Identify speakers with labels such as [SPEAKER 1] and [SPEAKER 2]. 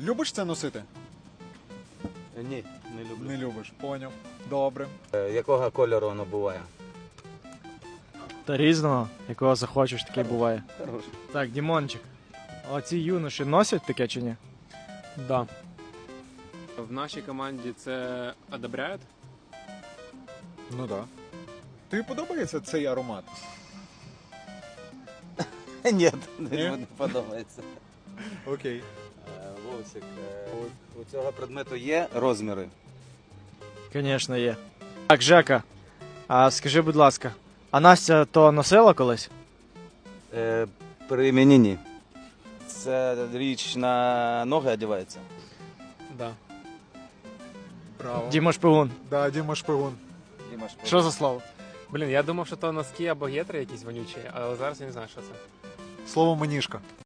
[SPEAKER 1] Любиш це носити?
[SPEAKER 2] Ні, не люблю.
[SPEAKER 1] Не любиш, поняв. Добре.
[SPEAKER 2] Якого кольору воно буває?
[SPEAKER 3] Та різного, якого захочеш, такий буває.
[SPEAKER 2] Хорош.
[SPEAKER 3] Так, Дімончик, оці юноші носять таке чи ні?
[SPEAKER 4] Да. В нашій команді це одобряють?
[SPEAKER 1] Ну так. Тобі подобається цей аромат?
[SPEAKER 2] Ні,
[SPEAKER 1] Ні?
[SPEAKER 2] не подобається.
[SPEAKER 1] Окей.
[SPEAKER 2] Вовсик, у цього предмету є розміри?
[SPEAKER 3] Звісно, є. Так, Жека, а скажи, будь ласка, а Настя то носила колись?
[SPEAKER 2] При мені ні. Це річ на ноги одягається?
[SPEAKER 4] Да.
[SPEAKER 1] Браво.
[SPEAKER 3] Діма Шпигун.
[SPEAKER 1] Да, Діма Шпигун.
[SPEAKER 3] Що за слово?
[SPEAKER 4] Блін, я думав, що то носки або гетри якісь вонючі, але зараз я не знаю, що це.
[SPEAKER 1] Слово маніжка.